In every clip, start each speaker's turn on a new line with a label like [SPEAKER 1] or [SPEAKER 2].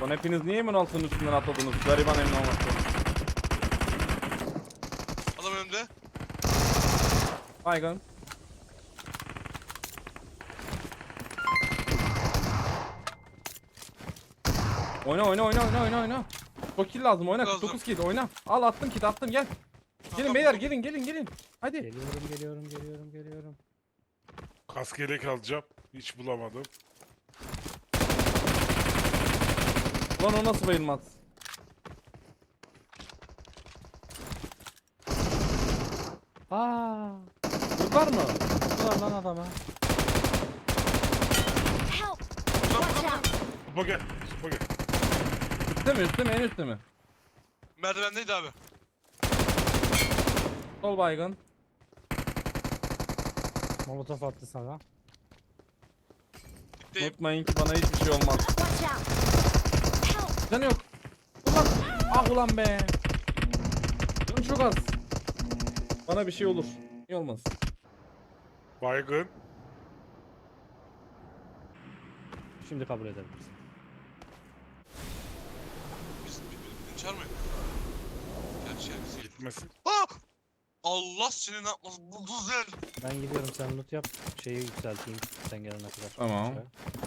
[SPEAKER 1] Lan hepiniz niye emin altının üstünden atladınız? Gariban emin olması.
[SPEAKER 2] Adam önümde.
[SPEAKER 1] Baygın. Oyna. Çok kill lazım, oyna.
[SPEAKER 2] Lazım.
[SPEAKER 1] 49 kill, oyna. Al, attım kit, attım, gel. Gelin
[SPEAKER 2] Tamam,
[SPEAKER 1] beyler,
[SPEAKER 2] tamam.
[SPEAKER 1] gelin. Hadi.
[SPEAKER 3] Geliyorum.
[SPEAKER 4] Kask yelek alacağım. Hiç bulamadım.
[SPEAKER 1] Lan o nasıl bayılmaz?
[SPEAKER 3] Aaa.
[SPEAKER 1] Vurdular mı?
[SPEAKER 3] Vurdular lan adama.
[SPEAKER 5] Help!
[SPEAKER 2] Buradan
[SPEAKER 5] Watch
[SPEAKER 2] buradan.
[SPEAKER 5] out!
[SPEAKER 4] Supa gel. Supa gel.
[SPEAKER 1] Üstte mi, en üstte mi?
[SPEAKER 2] Merdivendeydi abi.
[SPEAKER 1] Sol baygın.
[SPEAKER 3] Molotof attı sana.
[SPEAKER 2] Gitteyim.
[SPEAKER 1] Unutmayın ki bana hiçbir şey olmaz.
[SPEAKER 5] Watch out! Help!
[SPEAKER 1] Canı yok. Ulan. Ah ulan be. Canım çok az. Bana bir şey olur. İyi olmaz.
[SPEAKER 4] Baygın.
[SPEAKER 3] Şimdi kabul edebiliriz.
[SPEAKER 2] Biz birbirini çağırmayın. Gerçi bizi.
[SPEAKER 4] Gitmesin.
[SPEAKER 2] Ah! Allah seni ne yapmasın. Bu güzel.
[SPEAKER 3] Ben gidiyorum, sen loot yap. Şeyi yükselteyim sen gelene kadar.
[SPEAKER 1] Tamam.
[SPEAKER 3] Aşağı.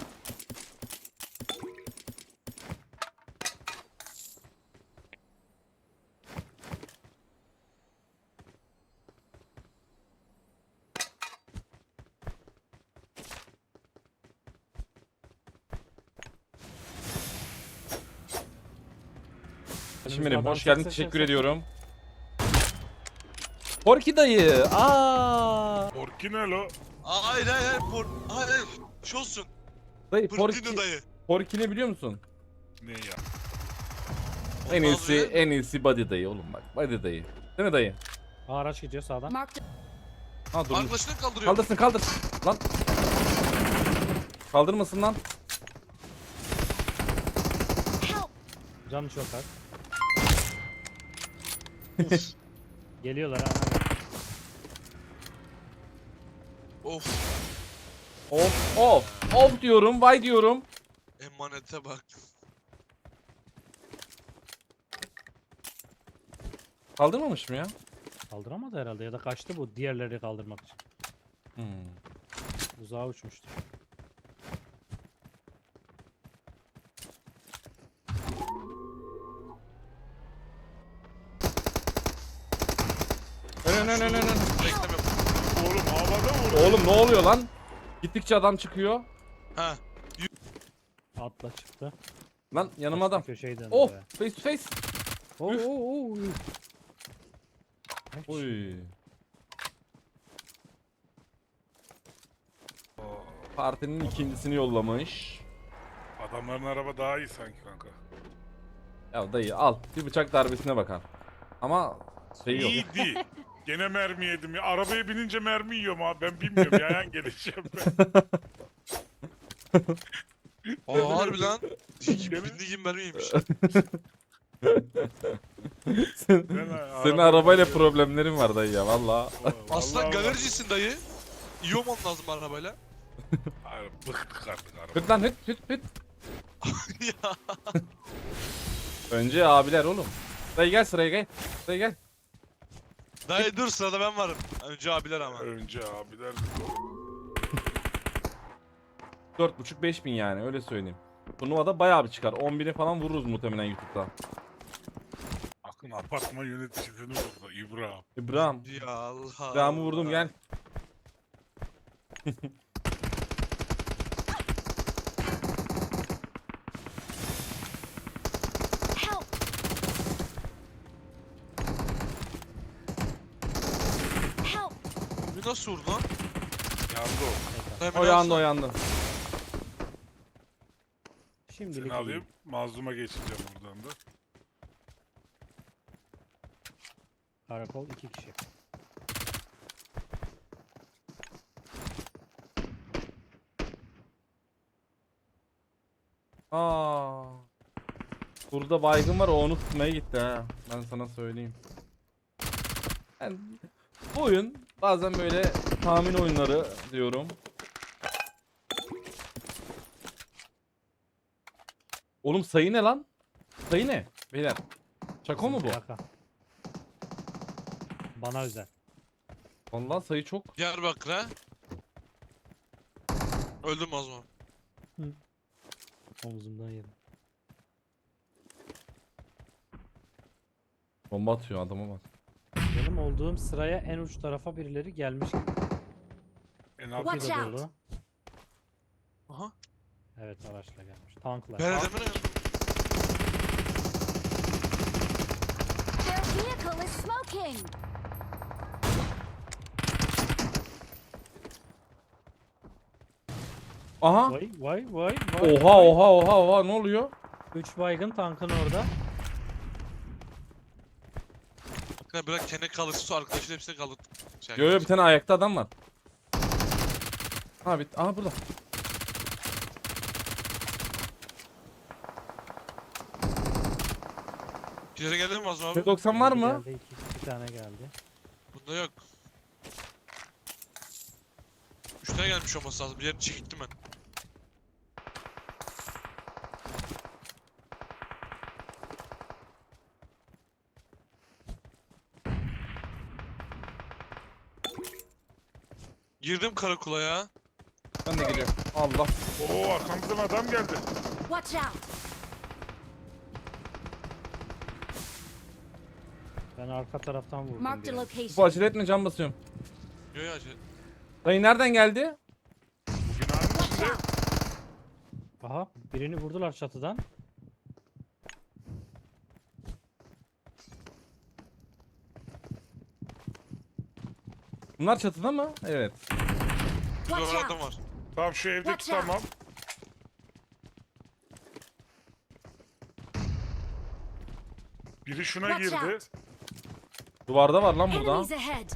[SPEAKER 1] Şimdi
[SPEAKER 3] Adam
[SPEAKER 1] hoş geldin,
[SPEAKER 3] ses-
[SPEAKER 1] teşekkür
[SPEAKER 3] ses-
[SPEAKER 1] ediyorum. Porky dayı. Aa.
[SPEAKER 4] Orki ne lo?
[SPEAKER 2] Hayır. Hayır. Şey olsun.
[SPEAKER 1] Dayı
[SPEAKER 2] Portino dayı.
[SPEAKER 1] Porky ne biliyor musun?
[SPEAKER 4] Ne ya?
[SPEAKER 1] En
[SPEAKER 2] Ondan
[SPEAKER 1] iyisi,
[SPEAKER 2] sonra-
[SPEAKER 1] en iyisi Buddy dayı oğlum bak. Buddy dayı. Değil mi dayı?
[SPEAKER 3] Aa, araç gidiyor sağdan.
[SPEAKER 5] Marked
[SPEAKER 1] Ha dur.
[SPEAKER 2] Arkadaşını kaldırıyor.
[SPEAKER 1] Kaldır. Lan. Kaldırmasın lan.
[SPEAKER 5] help!
[SPEAKER 3] Canı çok az. Geliyorlar ha.
[SPEAKER 2] Of.
[SPEAKER 1] Of diyorum, vay diyorum.
[SPEAKER 2] Emanete bak.
[SPEAKER 1] Kaldırmamış mı ya?
[SPEAKER 3] Kaldıramadı herhalde ya da kaçtı bu diğerleri kaldırmak için.
[SPEAKER 1] Hmm.
[SPEAKER 3] Uzağa uçmuştu.
[SPEAKER 1] Ön.
[SPEAKER 2] Beklemiyorum.
[SPEAKER 4] Oğlum havada vur.
[SPEAKER 1] Oğlum ne oluyor lan? Gittikçe adam çıkıyor.
[SPEAKER 2] Ha.
[SPEAKER 3] Atla çıktı.
[SPEAKER 1] Lan yanıma
[SPEAKER 3] Kaçtı,
[SPEAKER 1] adam.
[SPEAKER 3] köşeyi döndü
[SPEAKER 1] Of,
[SPEAKER 3] be.
[SPEAKER 1] face to face.
[SPEAKER 3] Oo.
[SPEAKER 1] Uy. Partinin ikincisini yollamış.
[SPEAKER 4] Adamların araba daha iyi sanki kanka.
[SPEAKER 1] Ya dayı al, bir bıçak darbesine bakar. Ama şey yok.
[SPEAKER 4] İyiydi. Gene mermi yedim ya. Arabaya binince mermi yiyorum abi. Ben bilmiyorum. Yayan geleceğim ben.
[SPEAKER 2] Aa harbi lan.
[SPEAKER 4] Değil mi?
[SPEAKER 2] Bindiğim mermiymiş.
[SPEAKER 1] Senin arabayla problemlerin var dayı ya valla.
[SPEAKER 2] Aslında galericisin dayı. İyi olman lazım arabayla.
[SPEAKER 4] Hayır, bıktık artık araba.
[SPEAKER 1] Hıt lan hıt.
[SPEAKER 2] Ya.
[SPEAKER 1] Önce abiler oğlum. Dayı gel sıraya gel. Dayı gel.
[SPEAKER 2] Dayı dur sırada ben varım. Önce abiler ama.
[SPEAKER 4] Önce abiler.
[SPEAKER 1] 4.5-5 bin yani öyle söyleyeyim. Turnuvada bayağı bir çıkar. 10.000'i falan vururuz muhtemelen YouTube'da.
[SPEAKER 4] Akın apartman yöneticisini vurdu. İbrahim.
[SPEAKER 1] İbrahim.
[SPEAKER 2] Ya Allah.
[SPEAKER 1] İbrahim'i vurdum gel.
[SPEAKER 5] Help! Help!
[SPEAKER 2] Bu nasıl vurdu lan?
[SPEAKER 4] Yandı o.
[SPEAKER 2] Dayı,
[SPEAKER 1] O
[SPEAKER 2] beni
[SPEAKER 1] yandı
[SPEAKER 2] alsana.
[SPEAKER 1] o yandı.
[SPEAKER 3] Şimdilik
[SPEAKER 4] Seni
[SPEAKER 3] iyi.
[SPEAKER 4] alayım. Mazluma geçeceğim buradan da.
[SPEAKER 3] Karakol 2 kişi.
[SPEAKER 1] Aa. Burada baygın var, o onu tutmaya gitti ha. Ben sana söyleyeyim. Yani bu oyun bazen böyle tahmin oyunları diyorum. Oğlum sayı ne lan? Sayı ne? Beyler. Şaka mı bu?
[SPEAKER 3] Şaka. Bana özel.
[SPEAKER 1] Vallahi sayı çok.
[SPEAKER 2] Diyarbakır'a. Öldüm o zaman.
[SPEAKER 3] Omzumdan yedim.
[SPEAKER 1] Bomba atıyor adama bak.
[SPEAKER 3] Benim olduğum sıraya en uç tarafa birileri gelmiş gibi.
[SPEAKER 4] En
[SPEAKER 3] Çok
[SPEAKER 4] alt
[SPEAKER 3] iyi de
[SPEAKER 5] Watch out.
[SPEAKER 3] dolu.
[SPEAKER 2] Aha.
[SPEAKER 3] Evet araçla gelmiş. Tankla.
[SPEAKER 2] Ben edemem.
[SPEAKER 5] Their vehicle is smoking.
[SPEAKER 1] Aha.
[SPEAKER 3] Vay.
[SPEAKER 1] Oha ne oluyor?
[SPEAKER 3] 3 baygın tankın orada.
[SPEAKER 2] Bakın bırak kendi kalırsa arkadaşın hepsini kalır. Şey,
[SPEAKER 1] Yo bir tane ayakta adam var. Ha bit. Aha burada.
[SPEAKER 2] Kilere geldi mi Azam abi?
[SPEAKER 1] P90 var mı?
[SPEAKER 3] Geldi, iki tane geldi.
[SPEAKER 2] Bunda yok. 3 tane gelmiş olması lazım. Bir yerini çektim ben. Girdim karakola ya.
[SPEAKER 1] Ben de geliyorum. Allah.
[SPEAKER 4] Oo arkamızdan adam geldi.
[SPEAKER 5] Watch out.
[SPEAKER 3] Ben arka taraftan vurdum.
[SPEAKER 5] Marked a
[SPEAKER 3] birini.
[SPEAKER 1] Bu
[SPEAKER 5] location.
[SPEAKER 1] acele etme can basıyorum.
[SPEAKER 2] Yo ya şey.
[SPEAKER 1] Dayı nereden geldi?
[SPEAKER 4] Bu binanın
[SPEAKER 5] Watch
[SPEAKER 4] içinde.
[SPEAKER 5] out.
[SPEAKER 3] Aha birini vurdular çatıdan.
[SPEAKER 1] Bunlar çatıda mı? Evet.
[SPEAKER 2] Burada
[SPEAKER 5] Watch
[SPEAKER 2] var adam
[SPEAKER 5] out.
[SPEAKER 2] var.
[SPEAKER 4] Tamam şu evdeki
[SPEAKER 5] Watch out.
[SPEAKER 4] tamam. Biri şuna
[SPEAKER 5] Watch
[SPEAKER 4] girdi.
[SPEAKER 5] out.
[SPEAKER 1] Duvarda var lan burada.
[SPEAKER 5] Enemies ahead.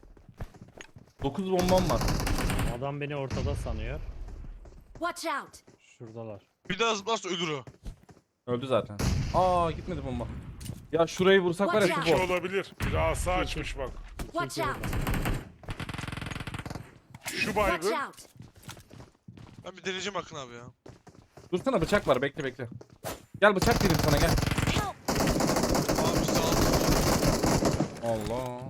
[SPEAKER 1] 9 bombam var.
[SPEAKER 3] Adam beni ortada sanıyor.
[SPEAKER 5] Watch out.
[SPEAKER 3] Şuradalar.
[SPEAKER 2] Bir daha zıplarsa ölür o.
[SPEAKER 1] Öldü zaten. Aa gitmedi bomba. Ya şurayı vursak var ya
[SPEAKER 5] Watch
[SPEAKER 1] şu
[SPEAKER 4] İki
[SPEAKER 1] bot.
[SPEAKER 4] olabilir. Biri asa açmış bak.
[SPEAKER 5] Watch
[SPEAKER 3] İki
[SPEAKER 5] out.
[SPEAKER 3] orada.
[SPEAKER 4] Şu
[SPEAKER 5] Watch
[SPEAKER 4] baygın.
[SPEAKER 5] out.
[SPEAKER 2] Ben bir deneyeceğim Akın abi ya.
[SPEAKER 1] Dursana bıçak var bekle. Gel bıçak vereyim sana gel.
[SPEAKER 5] Help.
[SPEAKER 2] Abi sağ ol.
[SPEAKER 1] Allah.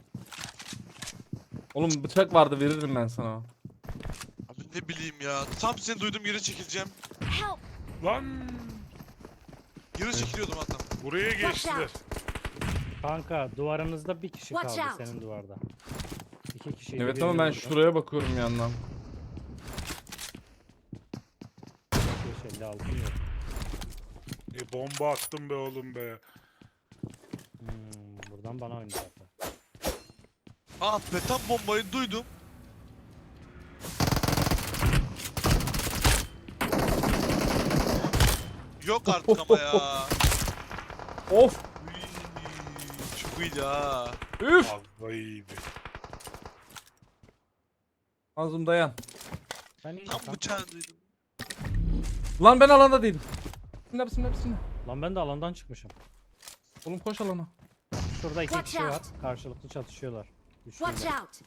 [SPEAKER 1] Oğlum bıçak vardı veririm ben sana.
[SPEAKER 2] Abi ne bileyim ya. Tam seni duyduğum yere çekileceğim.
[SPEAKER 5] Help.
[SPEAKER 4] Lan
[SPEAKER 2] Yere çekiliyordum hatta.
[SPEAKER 4] buraya geçtiler.
[SPEAKER 3] Kanka duvarınızda bir kişi
[SPEAKER 5] Watch
[SPEAKER 3] kaldı
[SPEAKER 5] out.
[SPEAKER 3] senin duvarda. İki kişi.
[SPEAKER 1] Evet ama ben şuraya bakıyorum yandan.
[SPEAKER 3] 556 yok.
[SPEAKER 4] Bomba attım be oğlum be.
[SPEAKER 3] Buradan bana oynadı zaten.
[SPEAKER 2] Aa be tam bombayı duydum. Yok artık ama ya.
[SPEAKER 1] Of.
[SPEAKER 2] Uy, çok iyiydi ha.
[SPEAKER 1] Üf.
[SPEAKER 4] Vallahi iyiydi.
[SPEAKER 1] Azım dayan.
[SPEAKER 3] Ben iyi
[SPEAKER 2] Tam
[SPEAKER 3] kanka.
[SPEAKER 2] bıçağı duydum.
[SPEAKER 1] Lan ben alanda değilim. Bismillah.
[SPEAKER 3] Lan ben de alandan çıkmışım.
[SPEAKER 1] Oğlum koş alana.
[SPEAKER 3] Şurada iki
[SPEAKER 5] Watch
[SPEAKER 3] kişi var.
[SPEAKER 5] out.
[SPEAKER 3] Karşılıklı çatışıyorlar.
[SPEAKER 5] Watch
[SPEAKER 3] Üçlüyle.
[SPEAKER 5] out.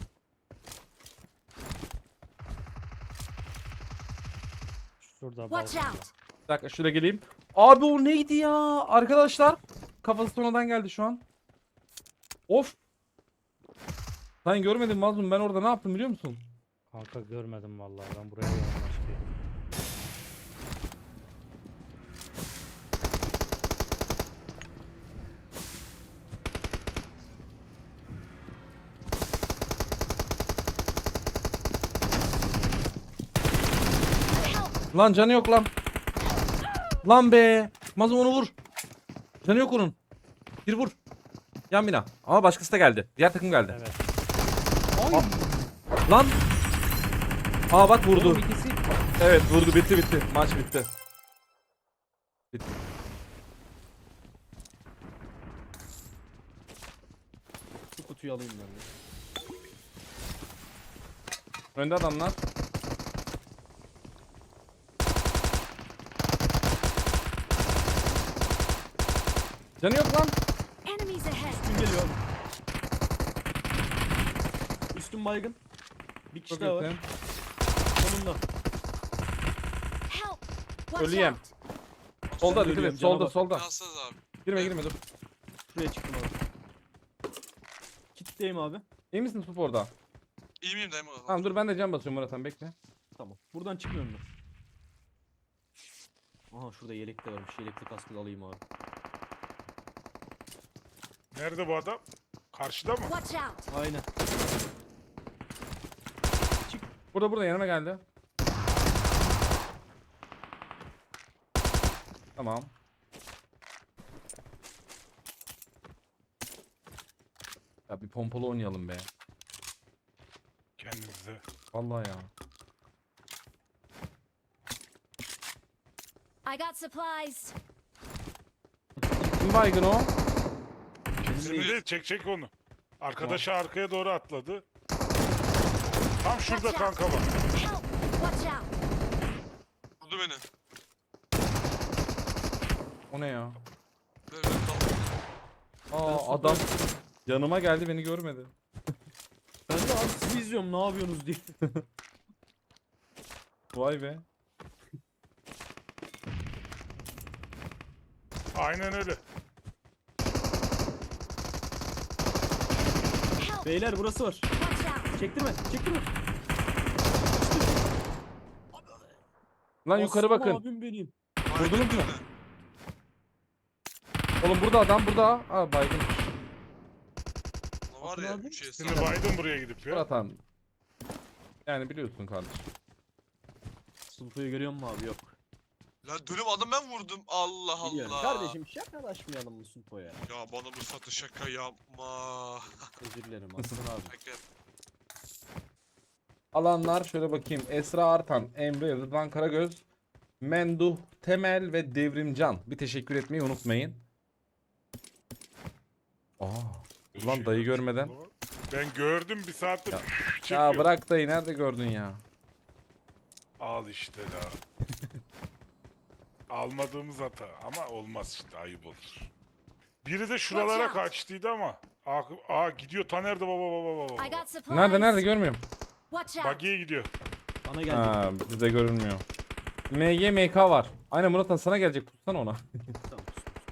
[SPEAKER 3] Şurada
[SPEAKER 5] Watch
[SPEAKER 3] balkonda.
[SPEAKER 5] out.
[SPEAKER 1] Bir dakika şuraya geleyim. Abi o neydi ya? Arkadaşlar. Kafası sonradan geldi şu an. Of. Sen görmedin Mazlum ben orada ne yaptım biliyor musun?
[SPEAKER 3] Kanka görmedim vallahi ben buraya yoğunlaştım.
[SPEAKER 5] Help.
[SPEAKER 1] Lan canı yok lan. Lan be. Mazlum onu vur. Canı yok onun. Bir vur. Yan bina. Ama başkası da geldi. Diğer takım geldi.
[SPEAKER 3] Evet.
[SPEAKER 1] Lan. Aa bak vurdu.
[SPEAKER 3] Oğlum ikisi
[SPEAKER 1] Evet vurdu bitti. Maç bitti. Bitti. Şu kutuyu alayım ben de. Önde adamlar. Canı yok lan.
[SPEAKER 5] Enemies ahead.
[SPEAKER 6] Üstün geliyor. Üstün baygın. Bir kişi
[SPEAKER 1] Çok
[SPEAKER 6] daha var.
[SPEAKER 1] iyisin.
[SPEAKER 6] Sonunda.
[SPEAKER 5] Help. Watch
[SPEAKER 1] Ölüyem.
[SPEAKER 5] out.
[SPEAKER 1] Solda
[SPEAKER 3] Ben
[SPEAKER 1] dikkat
[SPEAKER 3] ölüyorum,
[SPEAKER 1] et.
[SPEAKER 3] cana
[SPEAKER 1] Solda
[SPEAKER 3] bak.
[SPEAKER 1] solda.
[SPEAKER 2] Yazsanız abi.
[SPEAKER 1] Girme dur.
[SPEAKER 3] Şuraya çıktım abi. Kitleyim abi.
[SPEAKER 1] İyi misin Sup orada?
[SPEAKER 2] İyi miyim dayım?
[SPEAKER 1] Tamam dur ben de can basıyorum Murat Han bekle.
[SPEAKER 3] Tamam. Buradan çıkmıyorum ben. Aha şurada yelek de varmış. Yelekli kaskı da alayım abi.
[SPEAKER 4] Nerede bu adam? Karşıda mı?
[SPEAKER 5] Watch out!
[SPEAKER 3] Aynen.
[SPEAKER 1] Burada yanıma geldi. Tamam. Ya bir pompalı oynayalım be.
[SPEAKER 4] Kendinize.
[SPEAKER 1] Vallahi ya.
[SPEAKER 5] I got supplies.
[SPEAKER 1] Kim baygın o?
[SPEAKER 4] Şimdi değil, çek onu. Arkadaşı arkaya doğru atladı. Tam şurada kanka bak.
[SPEAKER 5] Help! Watch out!
[SPEAKER 2] Vurdu beni.
[SPEAKER 1] O ne ya?
[SPEAKER 2] Böyle kaldım.
[SPEAKER 1] Aa adam yanıma geldi beni görmedi.
[SPEAKER 3] Ben de abi sizi izliyorum ne yapıyorsunuz diye.
[SPEAKER 1] Vay be.
[SPEAKER 4] Aynen öyle.
[SPEAKER 5] Help!
[SPEAKER 3] Beyler burası var.
[SPEAKER 5] Watch out!
[SPEAKER 3] Çektirme. Çektirme.
[SPEAKER 1] Lan yukarı
[SPEAKER 3] Aslan
[SPEAKER 1] bakın.
[SPEAKER 3] Abim benim.
[SPEAKER 1] Vurdunuz mu? Oğlum burada adam burada. Aa baygın.
[SPEAKER 2] Var ya
[SPEAKER 3] Atın abi.
[SPEAKER 2] 3
[SPEAKER 4] Şimdi baydım buraya gidip ya.
[SPEAKER 1] Murat Han. Yani biliyorsun kardeşim.
[SPEAKER 3] Sulpuyu görüyor musun abi? Yok.
[SPEAKER 2] Lan dönüm adam ben vurdum. Allah
[SPEAKER 3] Biliyorum.
[SPEAKER 2] Allah.
[SPEAKER 3] Kardeşim şakalaşmayalım mı Sulpo'ya?
[SPEAKER 2] Ya bana bu satı şaka yapma.
[SPEAKER 3] Özür dilerim Aslan abi.
[SPEAKER 2] Bekle.
[SPEAKER 1] Alanlar şöyle bakayım. Esra Artan, Emre, Rıdvan Karagöz, Menduh, Temel ve Devrimcan. Bir teşekkür etmeyi unutmayın. Aa, ulan dayı görmeden.
[SPEAKER 4] Ben gördüm bir saattir.
[SPEAKER 1] Ya.
[SPEAKER 4] Çekiyor.
[SPEAKER 1] Ya bırak dayı nerede gördün ya?
[SPEAKER 4] Al işte la. Almadığımız hata ama olmaz işte ayıp olur. Biri de şuralara
[SPEAKER 5] Watch out.
[SPEAKER 4] kaçtıydı ama. Aa gidiyor Taner de baba.
[SPEAKER 5] I got supplies.
[SPEAKER 1] Nerede görmüyorum.
[SPEAKER 5] Watch out!
[SPEAKER 4] Bagiye gidiyor.
[SPEAKER 3] Bana geldi.
[SPEAKER 1] Ha, bize görünmüyor. MG MK var. Aynen Murat Han sana gelecek tutsana ona.
[SPEAKER 3] Tamam.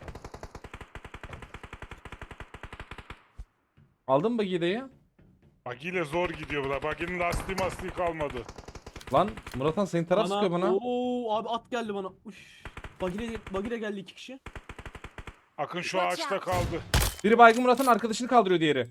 [SPEAKER 1] Aldın mı bagiyi dayı?
[SPEAKER 4] Bagiyle zor gidiyor bu da. Baginin lastiği kalmadı.
[SPEAKER 1] Lan Murat Han senin taraf sıkıyor bana.
[SPEAKER 3] Oo abi at geldi bana. Uş. Bagire geldi 2 kişi.
[SPEAKER 4] Akın şu
[SPEAKER 5] Watch
[SPEAKER 4] ağaçta
[SPEAKER 5] out.
[SPEAKER 4] kaldı.
[SPEAKER 1] Biri baygın Murat'ın arkadaşını kaldırıyor diğeri.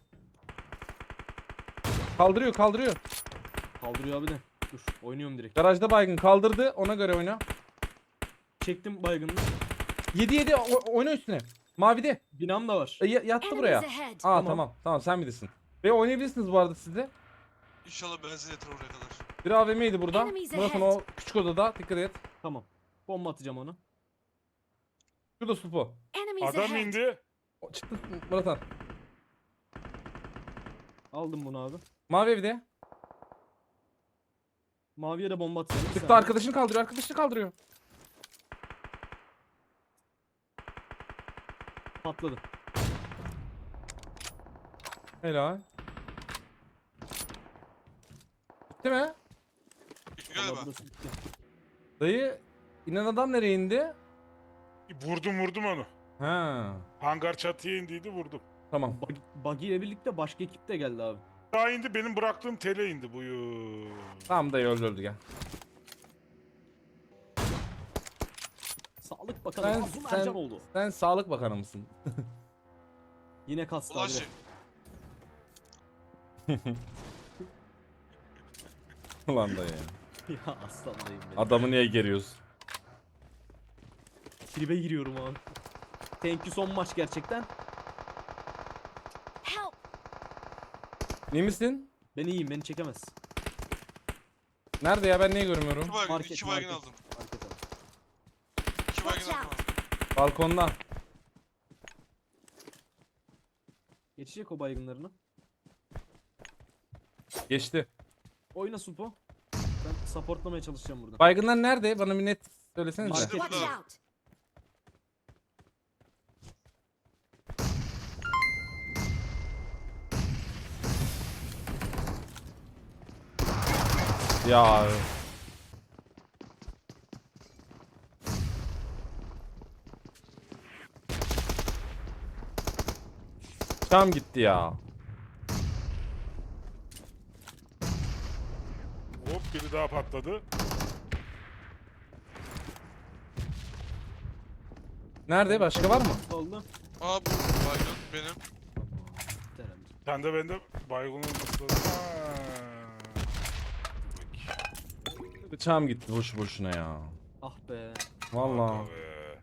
[SPEAKER 1] Kaldırıyor.
[SPEAKER 3] Kaldırıyor abi de. Dur oynuyorum direkt.
[SPEAKER 1] Garajda baygın kaldırdı. Ona göre oyna.
[SPEAKER 3] Çektim baygınını.
[SPEAKER 1] 7 oyna üstüne. Mavide.
[SPEAKER 3] Binam da var.
[SPEAKER 1] Yattı buraya.
[SPEAKER 5] Enemies ahead!
[SPEAKER 1] Aa tamam sen bilirsin. Ve oynayabilirsiniz bu arada siz de.
[SPEAKER 2] İnşallah benzin yeter oraya kadar.
[SPEAKER 1] Bir AVM'ydi burada.
[SPEAKER 5] Enemies
[SPEAKER 1] Murat'ın
[SPEAKER 5] ahead.
[SPEAKER 1] o küçük odada dikkat et.
[SPEAKER 3] Tamam. Bomba atacağım onu.
[SPEAKER 1] Şurada Supo.
[SPEAKER 5] Enemies
[SPEAKER 4] Adam
[SPEAKER 5] ahead!
[SPEAKER 4] indi.
[SPEAKER 1] O çıktı Murat'ın.
[SPEAKER 3] Aldım bunu abi.
[SPEAKER 1] Mavi evde.
[SPEAKER 3] Maviye de bomba atacağım. Bir
[SPEAKER 1] Çıktı
[SPEAKER 3] saniye.
[SPEAKER 1] arkadaşını kaldırıyor.
[SPEAKER 3] Patladı.
[SPEAKER 1] Helal. Bitti mi?
[SPEAKER 2] Galiba.
[SPEAKER 3] Vallahi burası bitti.
[SPEAKER 1] Dayı inen adam nereye indi?
[SPEAKER 4] Vurdum onu.
[SPEAKER 1] Ha.
[SPEAKER 4] Hangar çatıya indiydi vurdum.
[SPEAKER 1] Tamam.
[SPEAKER 3] Buggy ile birlikte başka ekip de geldi abi.
[SPEAKER 4] Daha indi benim bıraktığım tele indi buyur.
[SPEAKER 1] Tamam dayı öldü gel.
[SPEAKER 3] Sağlık bakanı
[SPEAKER 1] Sen-
[SPEAKER 3] Mazlum
[SPEAKER 1] sen-
[SPEAKER 3] Ercan oldu.
[SPEAKER 1] Sen Sağlık Bakanı mısın?
[SPEAKER 3] Yine kastı
[SPEAKER 2] Ulaşı.
[SPEAKER 3] abi.
[SPEAKER 1] Ulan dayı.
[SPEAKER 3] Ya aslanlayım benim.
[SPEAKER 1] Adamı niye geriyorsun?
[SPEAKER 3] Tribe giriyorum abi. Thank you son maç gerçekten.
[SPEAKER 5] Help!
[SPEAKER 1] İyi misin?
[SPEAKER 3] Ben iyiyim beni çekemez.
[SPEAKER 1] Nerede ya ben niye görmüyorum?
[SPEAKER 2] 2 baygın,
[SPEAKER 3] Market,
[SPEAKER 2] 2 baygın
[SPEAKER 3] market.
[SPEAKER 2] aldım.
[SPEAKER 3] Market abi.
[SPEAKER 2] 2 baygın
[SPEAKER 5] Watch
[SPEAKER 2] aldım
[SPEAKER 5] out.
[SPEAKER 2] abi.
[SPEAKER 1] Balkonda.
[SPEAKER 3] Geçecek o baygınlarını.
[SPEAKER 1] Geçti.
[SPEAKER 3] Oyna Supo. Ben supportlamaya çalışacağım burada.
[SPEAKER 1] Baygınlar nerede? Bana bir net söylesenize.
[SPEAKER 3] Market.
[SPEAKER 5] Watch
[SPEAKER 2] burada.
[SPEAKER 5] out!
[SPEAKER 1] Ya Tam gitti ya.
[SPEAKER 4] Hop biri daha patladı.
[SPEAKER 1] Nerede? Başka var mı?
[SPEAKER 6] Oldu.
[SPEAKER 2] Aa bu baygın benim.
[SPEAKER 6] Herhalde.
[SPEAKER 4] Sen de bende baygın olması lazım. Ha.
[SPEAKER 1] Bıçağım gitti boşu boşuna ya.
[SPEAKER 6] Ah be.
[SPEAKER 1] Vallahi.
[SPEAKER 4] Kanka be.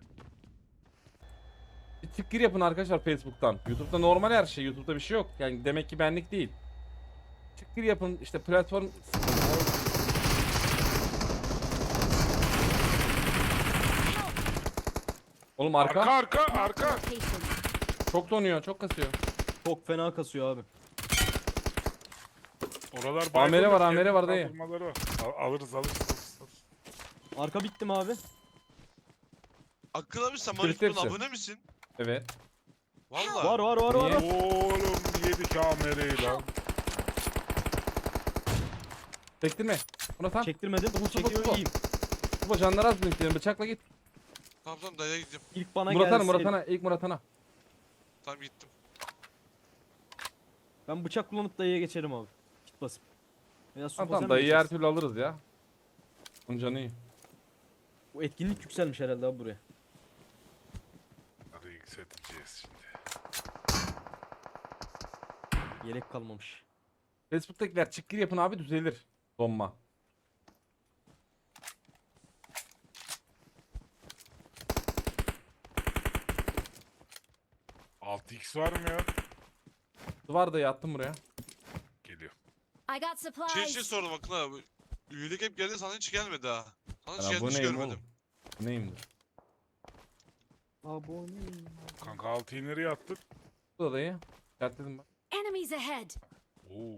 [SPEAKER 1] Bir tık gir yapın arkadaşlar Facebook'tan. YouTube'da normal her şey. YouTube'da bir şey yok. Yani demek ki benlik değil. Tık gir yapın işte platform. Oğlum arka.
[SPEAKER 4] Arka.
[SPEAKER 5] Marked a location.
[SPEAKER 1] Çok donuyor, çok kasıyor.
[SPEAKER 6] Çok fena kasıyor abi.
[SPEAKER 4] Oralar
[SPEAKER 1] Amele var,
[SPEAKER 4] da
[SPEAKER 1] amele
[SPEAKER 4] kendi
[SPEAKER 1] var dayı.
[SPEAKER 4] kaldırmaları var. Alırız.
[SPEAKER 6] Arka bitti mi abi?
[SPEAKER 2] Akıl abi sen
[SPEAKER 1] Bitirdi
[SPEAKER 2] Manifest'un
[SPEAKER 1] hepsi.
[SPEAKER 2] abone misin?
[SPEAKER 1] Evet.
[SPEAKER 2] Valla.
[SPEAKER 6] Var.
[SPEAKER 1] Niye?
[SPEAKER 4] Oğlum yedik amereyi lan.
[SPEAKER 1] Çektirme. Buna tam.
[SPEAKER 6] Çektirmedim.
[SPEAKER 1] Bu.
[SPEAKER 6] Çekiyor iyiyim.
[SPEAKER 1] Bu canlar az linklerin bıçakla git.
[SPEAKER 2] Tamam tamam dayıya gideceğim.
[SPEAKER 6] İlk bana
[SPEAKER 1] Muratana,
[SPEAKER 6] gelsin.
[SPEAKER 1] Muratana, ilk Muratana.
[SPEAKER 2] Tamam gittim.
[SPEAKER 6] Ben bıçak kullanıp dayıya geçerim abi. Git basıp. Veya su
[SPEAKER 1] Tamam
[SPEAKER 6] basar
[SPEAKER 1] tamam
[SPEAKER 6] mı
[SPEAKER 1] dayıyı her
[SPEAKER 6] geçersin?
[SPEAKER 1] türlü alırız ya. Bunun canı iyi.
[SPEAKER 6] Bu etkinlik yükselmiş herhalde abi buraya.
[SPEAKER 4] Hadi yükselteceğiz şimdi.
[SPEAKER 6] Yelek kalmamış.
[SPEAKER 1] Facebook'takiler çık gir yapın abi düzelir. Donma.
[SPEAKER 4] Altı x var mı ya?
[SPEAKER 1] Var dayı attım buraya.
[SPEAKER 4] Geliyor.
[SPEAKER 5] I got supplies.
[SPEAKER 2] Şey sordum Akıl abi. Üyelik hep geldi sana hiç gelmedi ha. Sana hiç
[SPEAKER 1] Ya bu
[SPEAKER 2] geldi hiç
[SPEAKER 1] neyim
[SPEAKER 2] görmedim.
[SPEAKER 1] oğlum? Bu neyimdir?
[SPEAKER 6] Abone.
[SPEAKER 4] Kanka altıyı nereye attık?
[SPEAKER 1] Bu da dayı. Dertledim ben.
[SPEAKER 5] Enemies ahead.
[SPEAKER 4] Oo.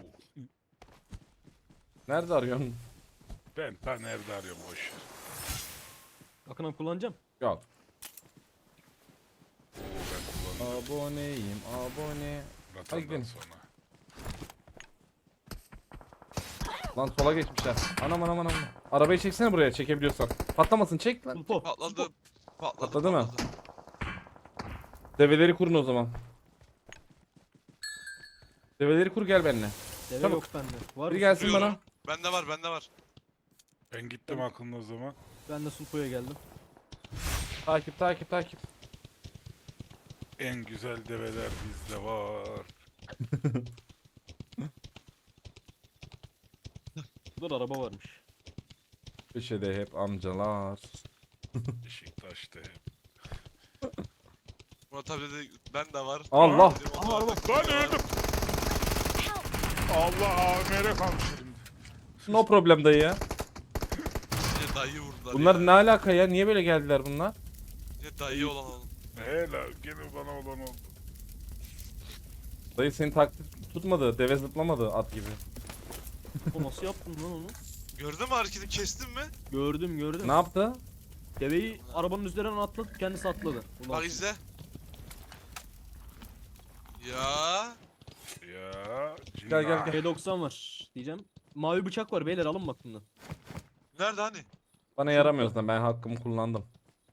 [SPEAKER 1] Nerede arıyorsun?
[SPEAKER 4] Ben ta nerede arıyorum boş ver.
[SPEAKER 6] Akın abi kullanacağım.
[SPEAKER 1] Yok.
[SPEAKER 4] Oo ben kullanacağım.
[SPEAKER 1] Aboneyim abone.
[SPEAKER 4] Ratandan
[SPEAKER 1] gidelim.
[SPEAKER 4] sonra.
[SPEAKER 1] Lan sola geçmişler. Anam. Arabayı çeksene buraya çekebiliyorsan. Patlamasın çek lan.
[SPEAKER 6] Sulpo.
[SPEAKER 2] Patladı.
[SPEAKER 1] Patladı mı? Develeri kurun o zaman. Develeri kur gel benimle.
[SPEAKER 6] Deve
[SPEAKER 1] Çabuk.
[SPEAKER 6] yok bende. Var
[SPEAKER 1] Biri
[SPEAKER 6] mı?
[SPEAKER 1] gelsin
[SPEAKER 2] Kuruyorum.
[SPEAKER 1] bana.
[SPEAKER 2] Bende var.
[SPEAKER 4] Ben gittim aklımda o zaman.
[SPEAKER 6] Ben de Sulpo'ya geldim.
[SPEAKER 1] Takip.
[SPEAKER 4] En güzel develer bizde var.
[SPEAKER 6] Burada da araba varmış.
[SPEAKER 1] Köşede hep amcalar.
[SPEAKER 4] Beşiktaş'ta hep.
[SPEAKER 2] Murat abi dedi ben de var.
[SPEAKER 1] Allah.
[SPEAKER 2] Dedim,
[SPEAKER 6] Aha,
[SPEAKER 2] onlar
[SPEAKER 6] araba.
[SPEAKER 2] da
[SPEAKER 4] Lan
[SPEAKER 2] var.
[SPEAKER 4] öldüm. Allah AMR kalmış elimde.
[SPEAKER 1] No problem dayı ya.
[SPEAKER 2] Yine dayı vurdular
[SPEAKER 1] Bunlar
[SPEAKER 2] ya.
[SPEAKER 1] ne alaka ya? Niye böyle geldiler bunlar?
[SPEAKER 2] Yine dayı olan oğlum.
[SPEAKER 4] Helal gene bana olan oldu.
[SPEAKER 1] Dayı seni taklit tutmadı. Deve zıplamadı at gibi.
[SPEAKER 6] O nasıl yaptın lan onu?
[SPEAKER 2] Gördün mü hareketi kestin mi?
[SPEAKER 6] Gördüm.
[SPEAKER 1] Ne yaptı?
[SPEAKER 6] Deveyi arabanın üzerinden atladı, kendisi atladı. Ulan.
[SPEAKER 2] Bak izle. Ya.
[SPEAKER 4] Ya.
[SPEAKER 1] Gel.
[SPEAKER 6] P90 var diyeceğim. Mavi bıçak var beyler alın bak bundan.
[SPEAKER 2] Nerede hani?
[SPEAKER 1] Bana yaramıyorsun ben hakkımı kullandım.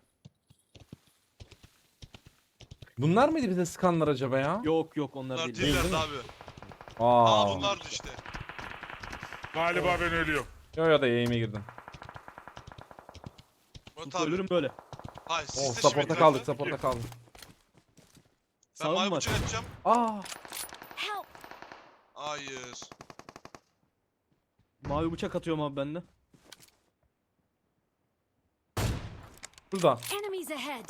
[SPEAKER 1] Bunlar mıydı bize sıkanlar acaba ya?
[SPEAKER 6] Yok onlar
[SPEAKER 2] Bunlar
[SPEAKER 6] değil.
[SPEAKER 1] değil
[SPEAKER 2] değillerdi
[SPEAKER 1] mi?
[SPEAKER 2] abi.
[SPEAKER 1] Aa.
[SPEAKER 2] Aa bunlardı işte.
[SPEAKER 4] Galiba ben ölüyorum.
[SPEAKER 1] Yo da yayıma girdim.
[SPEAKER 2] Murat
[SPEAKER 6] Sulpo
[SPEAKER 2] abi.
[SPEAKER 6] ölürüm böyle.
[SPEAKER 2] Hayır siz
[SPEAKER 1] Oh
[SPEAKER 2] de
[SPEAKER 1] support'a
[SPEAKER 2] şimdi
[SPEAKER 1] kaldık
[SPEAKER 2] bırakın.
[SPEAKER 1] support'a kaldık.
[SPEAKER 2] Ben
[SPEAKER 6] Sağım
[SPEAKER 2] mavi
[SPEAKER 6] var.
[SPEAKER 2] bıçak atacağım.
[SPEAKER 1] Aa.
[SPEAKER 5] Help.
[SPEAKER 2] Hayır.
[SPEAKER 6] Mavi bıçak atıyorum abi bende.
[SPEAKER 1] Burada.
[SPEAKER 5] Enemies ahead.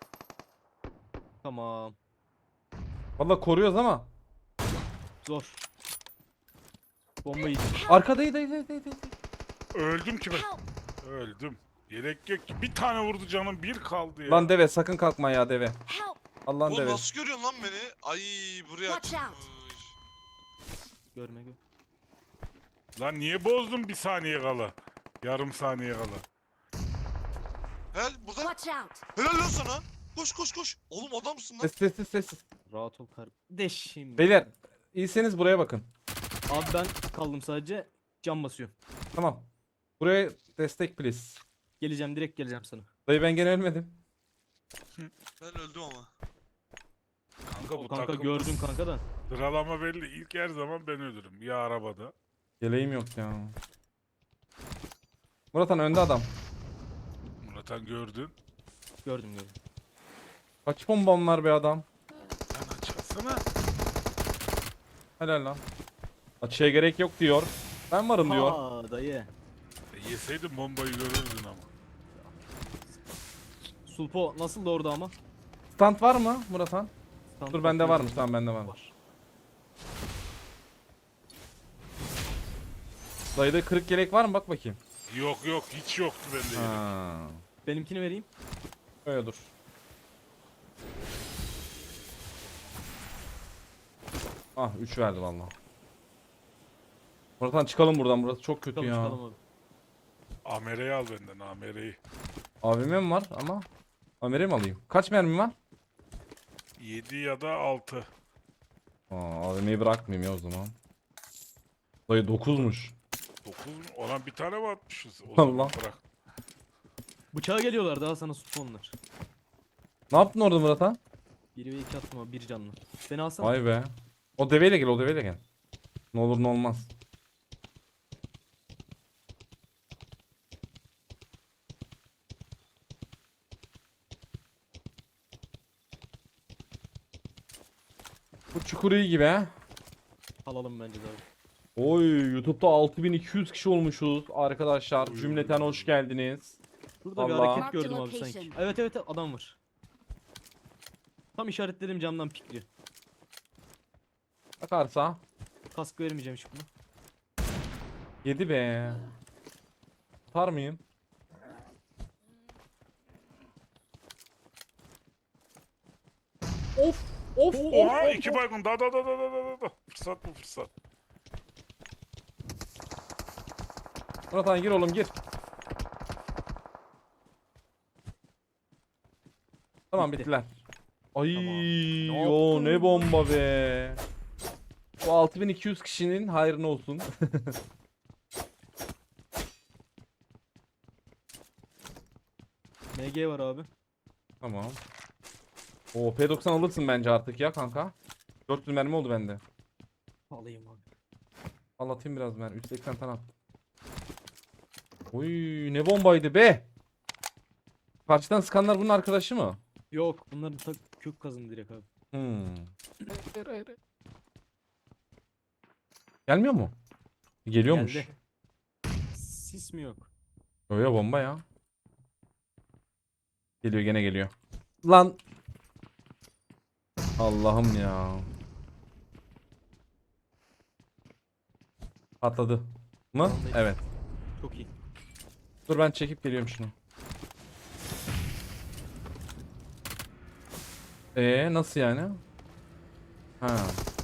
[SPEAKER 6] Tamam.
[SPEAKER 1] Valla koruyoruz ama.
[SPEAKER 6] Zor. Bomba yiyeceğim.
[SPEAKER 1] Arkadaydı.
[SPEAKER 4] Öldüm ki ben.
[SPEAKER 5] Help.
[SPEAKER 4] Öldüm. Yelek yok ki. Bir tane vurdu canım. Bir kaldı ya.
[SPEAKER 1] Lan deve sakın kalkma ya deve.
[SPEAKER 5] Help.
[SPEAKER 1] Allah'ın
[SPEAKER 2] Oğlum
[SPEAKER 1] deve.
[SPEAKER 2] nasıl görüyorsun lan beni? Ay buraya
[SPEAKER 5] Watch out.
[SPEAKER 2] açılmış.
[SPEAKER 6] Görme.
[SPEAKER 4] Lan niye bozdun bir saniye kala? Yarım saniye kala.
[SPEAKER 2] Helal burada.
[SPEAKER 5] Watch out.
[SPEAKER 2] Helal lan sana. Koş. Oğlum adamsın lan.
[SPEAKER 1] Sessiz.
[SPEAKER 6] Rahat ol kardeşim.
[SPEAKER 1] Beyler iyiseniz buraya bakın.
[SPEAKER 6] Abi ben kaldım sadece. Cam basıyorum.
[SPEAKER 1] Tamam. Buraya destek please.
[SPEAKER 6] Geleceğim direkt geleceğim sana.
[SPEAKER 1] Dayı ben gene ölmedim.
[SPEAKER 2] Ben öldüm ama.
[SPEAKER 4] Kanka bu
[SPEAKER 6] Kanka
[SPEAKER 4] takımda
[SPEAKER 6] gördüm kanka da.
[SPEAKER 4] sıralama belli. İlk her zaman ben ölürüm. Ya arabada.
[SPEAKER 1] Yeleğim yok ya. Murathan önde adam.
[SPEAKER 4] Murat'an gördün.
[SPEAKER 6] Gördüm.
[SPEAKER 1] Kaç bombam var be adam.
[SPEAKER 4] Lan açılsana.
[SPEAKER 1] Helal lan. Açıya gerek yok diyor. Ben varım diyor.
[SPEAKER 6] Ha dayı.
[SPEAKER 4] Yeseydin bombayı görürdün ama.
[SPEAKER 6] Sulpo nasıl da orada ama?
[SPEAKER 1] Stand var mı Murathan?
[SPEAKER 6] Stand
[SPEAKER 1] Dur bende
[SPEAKER 6] bakıyorum.
[SPEAKER 1] varmış, tamam bende varmış. Dayıda kırık yelek var mı bak bakayım.
[SPEAKER 4] Yok hiç yoktu bende. yelek.
[SPEAKER 1] Ha.
[SPEAKER 6] Benimkini vereyim.
[SPEAKER 1] Öyle dur. Ah 3 verdi valla. Murathan çıkalım buradan, burası çok kötü
[SPEAKER 6] Çıkalım
[SPEAKER 1] ya.
[SPEAKER 6] çıkalım abi.
[SPEAKER 4] Amere'yi al benden Amere'yi.
[SPEAKER 1] AVM mi var ama? AVM mi alayım? Kaç mermi var?
[SPEAKER 4] 7 ya da 6.
[SPEAKER 1] AVM'yi bırakmayayım ya o zaman. Dayı 9'muş.
[SPEAKER 4] 9 mu? Olan bir tane mi atmışız? O
[SPEAKER 1] Allah.
[SPEAKER 4] zaman bırak.
[SPEAKER 6] Bıçağa geliyorlar daha sana Sulpo onlar.
[SPEAKER 1] Ne yaptın orada Murathan?
[SPEAKER 6] 1 ve 2 attım abi 1 canlı. Beni alsana.
[SPEAKER 1] Vay be. O deveyle gel, o deveyle gel. Ne olur ne olmaz. Bu çukur iyi gibi he.
[SPEAKER 6] Alalım bence de abi.
[SPEAKER 1] Oy, YouTube'da 6200 kişi olmuşuz arkadaşlar.
[SPEAKER 4] Oy.
[SPEAKER 1] Cümleten hoş geldiniz.
[SPEAKER 6] Burada bir
[SPEAKER 1] Vallahi.
[SPEAKER 6] hareket
[SPEAKER 5] Marked
[SPEAKER 6] gördüm abi
[SPEAKER 5] location.
[SPEAKER 6] sanki. Evet adam var. Tam işaretledim camdan pikliyor.
[SPEAKER 1] Bakarsa
[SPEAKER 6] Kask vermeyeceğim hiç buna.
[SPEAKER 1] 7 be. Tutar mıyım? Of of
[SPEAKER 4] Oha 2 baygın. Da. Fırsat bu fırsat.
[SPEAKER 1] Murathan gir oğlum gir. Tamam
[SPEAKER 6] Bitti.
[SPEAKER 1] bittiler. Ay
[SPEAKER 6] Tamam.
[SPEAKER 1] yo ne bomba be. Bu 6200 kişinin hayrına olsun.
[SPEAKER 6] MG var abi.
[SPEAKER 1] Tamam. O P90 alırsın bence artık ya kanka. 400 mermi oldu bende.
[SPEAKER 6] Alayım abi.
[SPEAKER 1] Anlatayım biraz ben. 380 tane attım. Oy ne bombaydı be. Karşıdan sıkanlar bunun arkadaşı mı?
[SPEAKER 6] Yok bunların kök kazın direkt abi.
[SPEAKER 1] Gelmiyor mu? Geliyormuş.
[SPEAKER 6] Geldi. Sis mi yok?
[SPEAKER 1] Öyle bomba ya. Geliyor gene geliyor. Lan. Allah'ım ya. Patladı. Mı?
[SPEAKER 6] Vallahi.
[SPEAKER 1] Evet.
[SPEAKER 6] Çok iyi.
[SPEAKER 1] Dur ben çekip geliyorum şunu. Nasıl yani? Ha.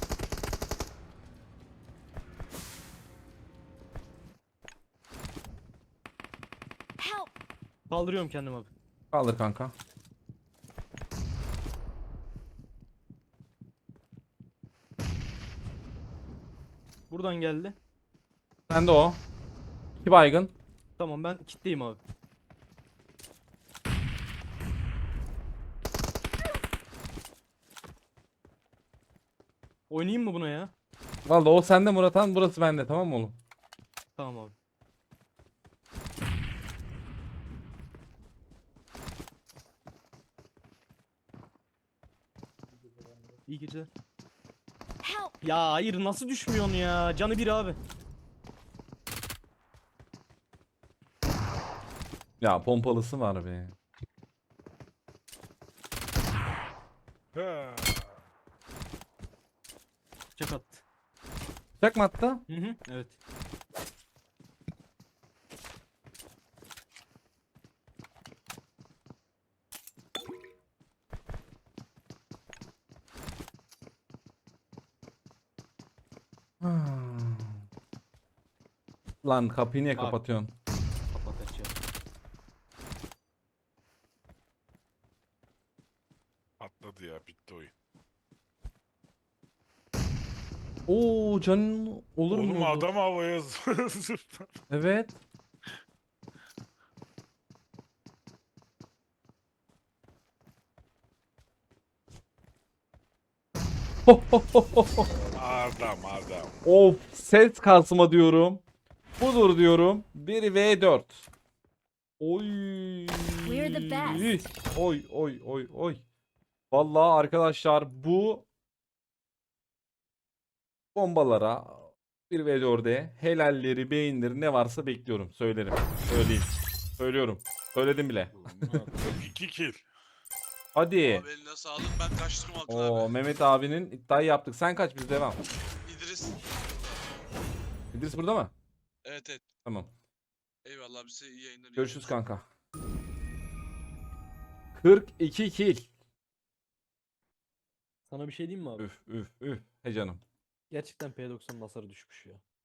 [SPEAKER 5] Help!
[SPEAKER 6] Kaldırıyorum kendim abi.
[SPEAKER 1] Kaldır kanka.
[SPEAKER 6] Buradan geldi.
[SPEAKER 1] Sen de o. 2 baygın.
[SPEAKER 6] Tamam ben kitleyim abi. Oynayayım mı buna ya?
[SPEAKER 1] Vallahi o sende Murathan, burası bende, tamam mı oğlum?
[SPEAKER 6] Tamam abi. İyi geceler.
[SPEAKER 5] Help!
[SPEAKER 6] Ya hayır nasıl düşmüyorsun ya? Canı bir abi.
[SPEAKER 1] Ya pompalısı var be.
[SPEAKER 4] Ha.
[SPEAKER 6] Çak attı.
[SPEAKER 1] Çak mı attı?
[SPEAKER 6] Hı hı. Evet.
[SPEAKER 1] Lan kapıyı niye
[SPEAKER 6] Abi.
[SPEAKER 1] kapatıyorsun?
[SPEAKER 6] Kapat aç ya.
[SPEAKER 4] Atladı ya bitti oyun.
[SPEAKER 1] Oo canın olur mu?
[SPEAKER 4] Oğlum adam havaya zıpladı.
[SPEAKER 1] Evet.
[SPEAKER 4] Adam.
[SPEAKER 1] Of, ses kasma diyorum. Budur diyorum. 1v4. Oy.
[SPEAKER 5] We're the best.
[SPEAKER 1] Oy. Vallahi arkadaşlar bu bombalara 1v4'e helalleri, beyinleri ne varsa bekliyorum. Söylerim. Söyleyeyim. Söylüyorum. Söyledim bile.
[SPEAKER 4] 2 kill.
[SPEAKER 1] Hadi.
[SPEAKER 2] Abi eline sağlık, ben kaçtım Akın
[SPEAKER 1] Oo,
[SPEAKER 2] abi.
[SPEAKER 1] Mehmet abinin iddiayı yaptık. Sen kaç, biz devam.
[SPEAKER 2] İdris.
[SPEAKER 1] İdris burada mı?
[SPEAKER 2] Evet.
[SPEAKER 1] Tamam.
[SPEAKER 2] Eyvallah abi, size iyi yayınlar. iyi
[SPEAKER 1] Görüşürüz
[SPEAKER 2] yayınlar.
[SPEAKER 1] kanka. 42 kill.
[SPEAKER 6] Sana bir şey diyeyim mi abi?
[SPEAKER 1] Üf. He canım.
[SPEAKER 6] Gerçekten P90'ın hasarı düşmüş ya.